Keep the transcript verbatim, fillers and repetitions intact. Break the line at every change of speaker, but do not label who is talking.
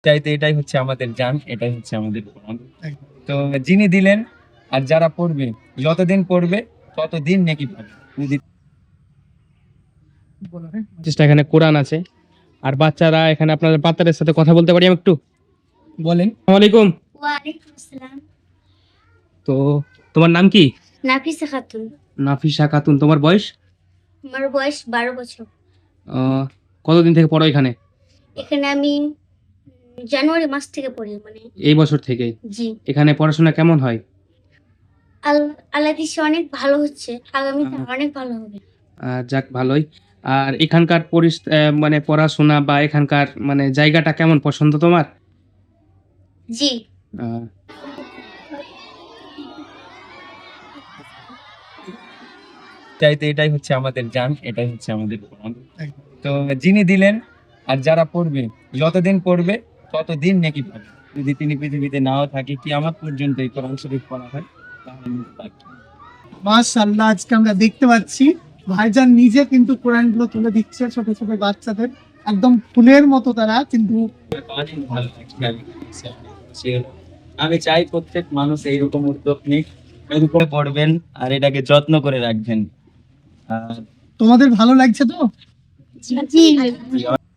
চাইতে এটাই হচ্ছে আমাদের জান, এটাই হচ্ছে আমাদের কোরআন। তো যিনি দিলেন আর যারা পড়বে, যতদিন পড়বে ততদিন নেকি পাবে। যদি
চেষ্টা এখানে কোরআন আছে আর বাচ্চারা এখানে আপনাদের বাচ্চাদের সাথে কথা বলতে পারি আমি একটু?
বলেন।
আসসালামু আলাইকুম।
ওয়ালাইকুম আসসালাম।
তো তোমার নাম কি?
নাফিসা খাতুন।
নাফিসা খাতুন। তোমার বয়স?
আমার বয়স বারো বছর।
আহ, কতদিন থেকে পড়ো এখানে?
এখানে আমি উম, জানুয়ারি মাস থেকে পড়ি, মানে
এই বছর থেকে।
জি।
এখানে পড়াশোনা কেমন হয়?
আল আল্লাহ দিশে অনেক ভালো হচ্ছে, আগামীতে
আহ,
অনেক ভালো হবে।
আহ, যাক ভালোই। আর এখানকার পরিস আহ, মানে পড়াশোনা বা এখানকার মানে জায়গাটা কেমন, পছন্দ তোমার?
জি।
আহ,
চাইতে এটাই হচ্ছে আমাদের জান, এটাই হচ্ছে আমাদের কোরআন। তো যিনি দিলেন আর যারা পড়বে, যতদিন পড়বে ততদিন নেকি পাবে। যদি তিনি পৃথিবীতে নাও থাকে, কিয়ামত পর্যন্ত এই কোরআন শরীফ পড়া হয়, তাহলে নেকি পাবে।
মাশাআল্লাহ, আজকে আমরা দেখতে পাচ্ছি ভাইজান নিজে কিন্তু কোরআনগুলো তুলে দিচ্ছে ছোট ছোট বাচ্চাদের, একদম ফুলের মতো তারা কিন্তু।
অনেক ভালো লাগছে, আমি সে- আমি চাই প্রত্যেক মানুষ এইরকম উদ্যোগ নিক, এরকম পড়বেন আর এটাকে যত্ন করে রাখবেন। আর
তোমাদের ভালো লাগছে তো?
জি।